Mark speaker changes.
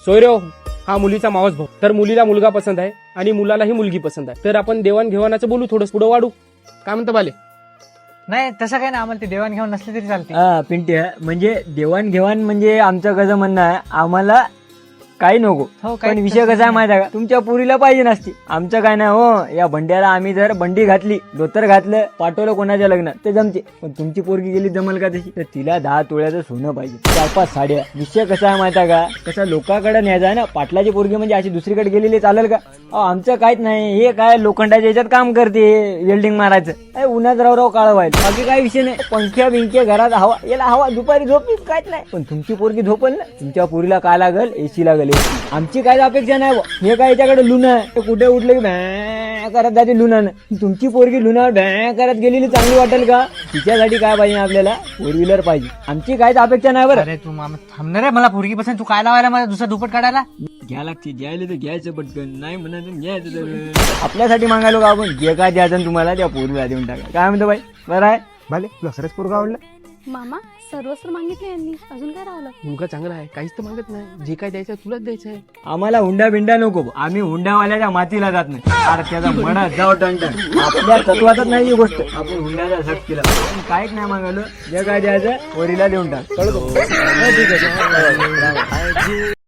Speaker 1: सोयरो हा मुलीचा मावस भाऊ, तर मुलीला मुलगा पसंत आहे आणि मुलालाही मुलगी पसंत आहे, तर आपण देवाणघेवाणाचं बोलू, थोडं पुढं वाढू. काय म्हणतो बाले?
Speaker 2: नाही तसं काय ना, आम्हाला ते देवाणघेवाण नसले तरी चालते.
Speaker 3: पिंटी म्हणजे देवाणघेवाण म्हणजे आमचं कसं म्हणणं आहे, आम्हाला काही नको.
Speaker 2: हो, काही
Speaker 3: पण विषय कसा आहे माहिती आहे का, तुमच्या पुरीला पाहिजे नसती, आमचं काय नाही हो. या भंड्याला आम्ही जर बंडी घातली, धोतर घातलं, पाठवलं कोणाच्या लग्नात ते जमते, पण तुमची पोरगी गेली जमल का तशी? तर तिला 10 तोळ्याचं सोनं पाहिजे, 4-5 साड्या. विषय कसा आहे माहिती आहे का, कसा लोकांकडे न्यायचा आहे ना. पाटलाची पोरगी म्हणजे अशी दुसरीकडे गेलेली चालेल का? आमचं काहीच नाही. हे काय लोखंडाच्या याच्यात काम करते, वेल्डिंग मारायचं, उन्हात राव काळ व्हायला, बाकी काय विषय नाही. पंख्या बिंक्या घरात हवा, याला हवा, दुपारी झोप काहीच नाही. पण तुमची पोरगी झोपल ना, तुमच्या पोरीला काय लागल? एसी लागल. आमची काय अपेक्षा नाही. हे काय याच्याकडे लुना आहे, कुठे उठले की भॅ करत जाते लुनानं. तुमची पोरगी लुनावर भॅ करत गेलेली चांगली वाटेल का? तिच्यासाठी काय पाहिजे आपल्याला? 4 व्हीलर पाहिजे. आमची काहीच अपेक्षा नाही बरं.
Speaker 2: अरे तू मामा थांबणार आहे, मला पोरगी पसंत, तू काय लावायला मला दुसरा दुपट काढायला?
Speaker 3: घ्या लागते, घ्यायला तर घ्यायचं पटकन, नाही म्हणायचं घ्यायचं. आपल्यासाठी मागायलो का आपण? जे काय द्यायचं तुम्हाला त्या पोरीला देऊन टाका. काय म्हणतो बाई? बरं आहे
Speaker 1: बाले, तुला खरंच पोरगा आवडला?
Speaker 4: मामा सर्वस्व मागितले यांनी, अजून काय राहिलं?
Speaker 1: मुलगा चांगला आहे, काहीच तर मागत नाही. जे काय द्यायचं तुलाच द्यायचं आहे.
Speaker 3: आम्हाला हुंडा बिंडा नको, आम्ही हुंडावाल्याच्या मातीला जात नाही. अरे त्याचा मनात जाऊ टंटन, आपल्या तत्वातच नाही ही गोष्ट. आपण हुंड्याचा झट केला, काहीच नाही मागायलो. जे काय द्यायचं पोरीला देऊन टाक. कळतो? ठीक आहे.